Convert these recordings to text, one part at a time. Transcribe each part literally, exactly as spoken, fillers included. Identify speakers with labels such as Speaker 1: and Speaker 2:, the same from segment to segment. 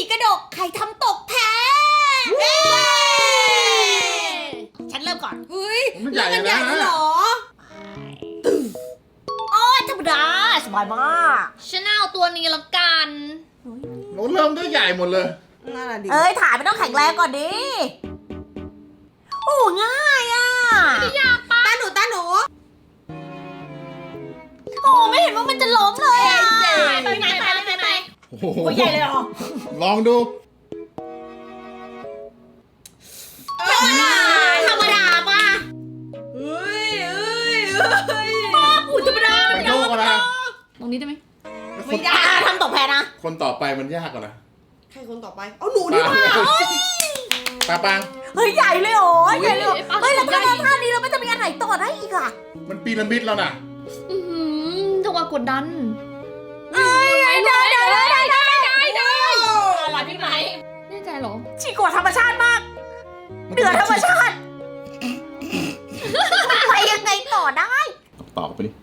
Speaker 1: กระดกใครทำตกแพ้ฉันเริ่มก่อนเฮ้ย
Speaker 2: มันใหญ่
Speaker 1: เริ่ม
Speaker 2: นะ
Speaker 1: ใหญ่แล้วเหรอโอ้ยธรรมดาสบายมาก
Speaker 3: ฉันเอาตัวนี้ละกัน
Speaker 2: โน้ตเริ่มด้วยใหญ่หมดเลย
Speaker 1: น่าดีเอ้ยถ่ายไม่ต้องแข็งแรงก่อนดิโอ้ง่ายอ่ะ
Speaker 3: ไม่ยากปะ
Speaker 1: ตาหนูตาหนูโอ้ไม่เห็นว่ามันจะล้มเลยอ่ะ
Speaker 3: ไปไหนไปไหนไปไหน
Speaker 2: โอ้โห
Speaker 1: โอ้ใหญ่เลยเหรอ
Speaker 2: ลองดู
Speaker 1: ธรรมดาธรรมดาป่ะเฮ้ยเฮ้ยเฮ้ยป้าปู่ธรรมดา
Speaker 2: มันโยกกันนะ
Speaker 3: ตรงนี้ได้ไหม
Speaker 1: ไม่ได้ทำตกแพ้นะ
Speaker 2: คนต่อไปมันยากกว่านะ
Speaker 1: ใครคนต่อไปเอาหนูดีกว่า
Speaker 2: ปาปัง
Speaker 1: เฮ้ยใหญ่เลยเหรอใหญ่เลยเหรอเฮ้ยแล้วถ้าเราท่านี้เราไม่จะมีอันไหนต่อได้อีกอ่ะ
Speaker 2: มันปีระมิดแล้วน่ะ
Speaker 3: อือหือจังหวะกดดัน
Speaker 1: เอ้ยได้ได้ได้ได้ได้ได้ได้
Speaker 3: อะไรพี่ไหมแน่ใจเหรอ
Speaker 1: ฉีกกว่าธรรมชาติมากเหนือธรรมชาติไปยังไงต่อได้
Speaker 2: ตอบไปดิ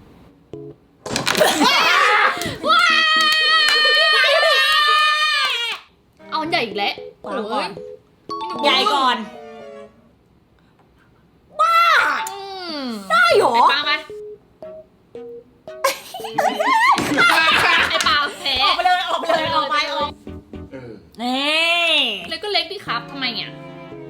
Speaker 3: เอาอันใหญ่อีกแล้ว
Speaker 1: วางก่อน
Speaker 3: โย
Speaker 1: ใหญ่ก่อน
Speaker 3: อืม
Speaker 1: ได้เหรอ
Speaker 3: ไอ้ปาไปไอ้ปาแพ้
Speaker 1: ออกไปเลยออกไปเลยออกไปออก
Speaker 2: เออ
Speaker 1: นี่
Speaker 3: เล็กก็เล็กดิครับทำไมอ่ะ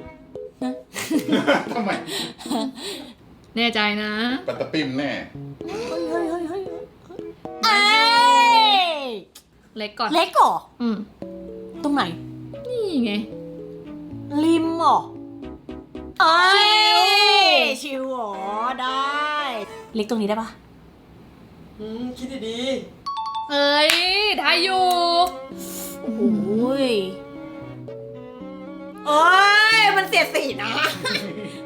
Speaker 2: ทำไม
Speaker 3: แน่ใจนะ
Speaker 2: ปัตตะปิมแน่
Speaker 1: เฮ้ยเฮ้ยเฮ้ยเฮ้ยเอ้ย
Speaker 3: เล็กก่อน
Speaker 1: เล็กเหรอ
Speaker 3: อืม
Speaker 1: ตรงไหน
Speaker 3: นี่ไง
Speaker 1: ริมเหรอเอ้ยชิวเหรอได้ เล็กตรงนี้ได้ปะ
Speaker 4: อืมคิดดี
Speaker 3: เอ้ยได้อยู่
Speaker 1: โอ้ยเอ้ยมันเสียดสีนะ